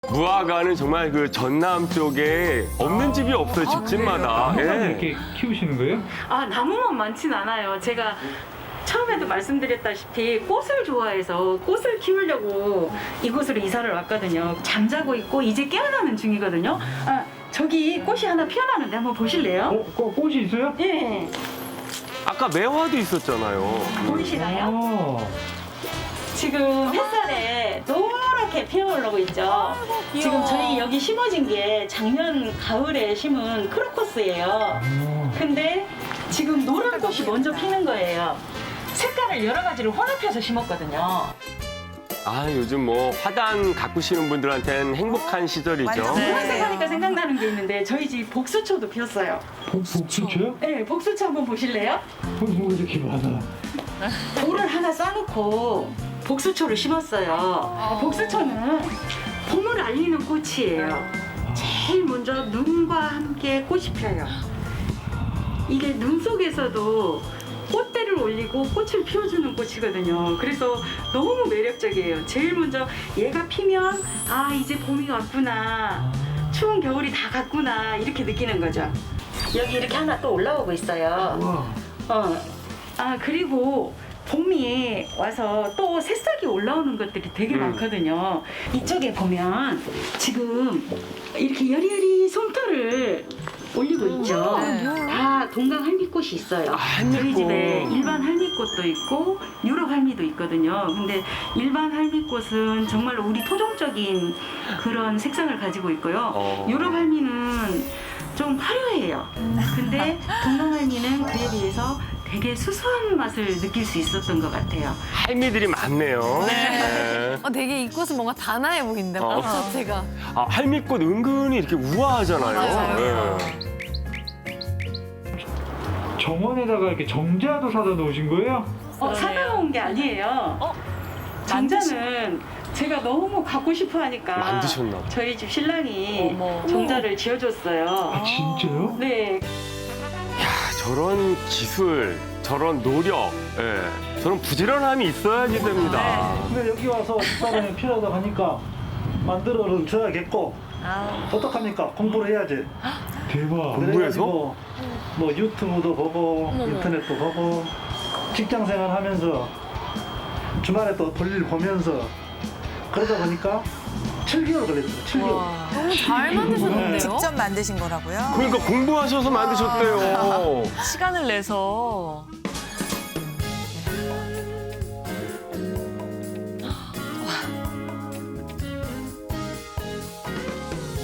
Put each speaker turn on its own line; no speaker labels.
무화과는 정말 그 전남 쪽에 없는 집이 없어요, 집집마다.
나무만
예.
이렇게 키우시는 거예요?
아, 나무만 많진 않아요. 제가 처음에도 말씀드렸다시피 꽃을 좋아해서 꽃을 키우려고 이곳으로 이사를 왔거든요. 잠자고 있고 이제 깨어나는 중이거든요. 아, 저기 꽃이 하나 피어나는데 한번 보실래요?
꽃이 있어요?
예.
아까 매화도 있었잖아요.
보이시나요?
아,
지금 햇살에 노랗게 피어오르고 있죠. 지금 저희 여기 심어진 게 작년 가을에 심은 크로커스예요. 근데 지금 노란 꽃이 먼저 피는 거예요. 색깔을 여러 가지를 혼합해서 심었거든요.
아, 요즘 뭐 화단 가꾸시는 분들한테는 행복한 시절이죠.
완전.
노란색 하니까 생각나는 게 있는데 저희 집 복수초도 피었어요.
복수초요?
네, 복수초 한번 보실래요?
뭐 이렇게 많아.
돌을 하나 싸놓고 복수초를 심었어요. 복수초는 봄을 알리는 꽃이에요. 제일 먼저 눈과 함께 꽃이 펴요. 이게 눈 속에서도 꽃대를 올리고 꽃을 피워주는 꽃이거든요. 그래서 너무 매력적이에요. 제일 먼저 얘가 피면 아, 이제 봄이 왔구나. 추운 겨울이 다 갔구나. 이렇게 느끼는 거죠. 여기 이렇게 하나 또 올라오고 있어요. 아, 그리고 봄이 와서 또 새싹이 올라오는 것들이 되게 많거든요. 이쪽에 보면 지금 이렇게 여리여리 솜털을 올리고 있죠. 다 동강 할미꽃이 있어요.
할미꽃.
저희 집에 일반 할미꽃도 있고 유럽 할미도 있거든요. 근데 일반 할미꽃은 정말로 우리 토종적인 그런 색상을 가지고 있고요. 유럽 할미는 좀 화려해요. 근데 동강 할미는 그에 비해서 되게 수수한 맛을 느낄 수 있었던 것 같아요.
할미들이 많네요. 네.
되게 이 꽃은 뭔가 단아해 보인다. 꽃 자체가.
아, 할미꽃 은근히 이렇게 우아하잖아요.
맞아요.
정원에다가 이렇게 정자도 사다 놓으신 거예요?
사다 놓은 게 아니에요. 정자는 제가 너무 갖고 싶어 하니까
만드셨나 봐.
저희 집 신랑이
어머.
정자를 지어줬어요.
아, 진짜요?
네,
저런 기술, 저런 노력, 예, 저런 부지런함이 있어야지 됩니다.
근데 여기 와서 집사람이 필요하다고 하니까 만들어를 줘야겠고 어떡합니까? 공부를 해야지.
대박.
공부해서?
뭐 유튜브도 보고 인터넷도 보고 직장 생활하면서 주말에 또 볼일 보면서 그러다 보니까 7개월 걸렸어요. 7개월.
너무 잘 만드셨는데요?
직접 만드신 거라고요?
그러니까 공부하셔서 만드셨대요.
시간을 내서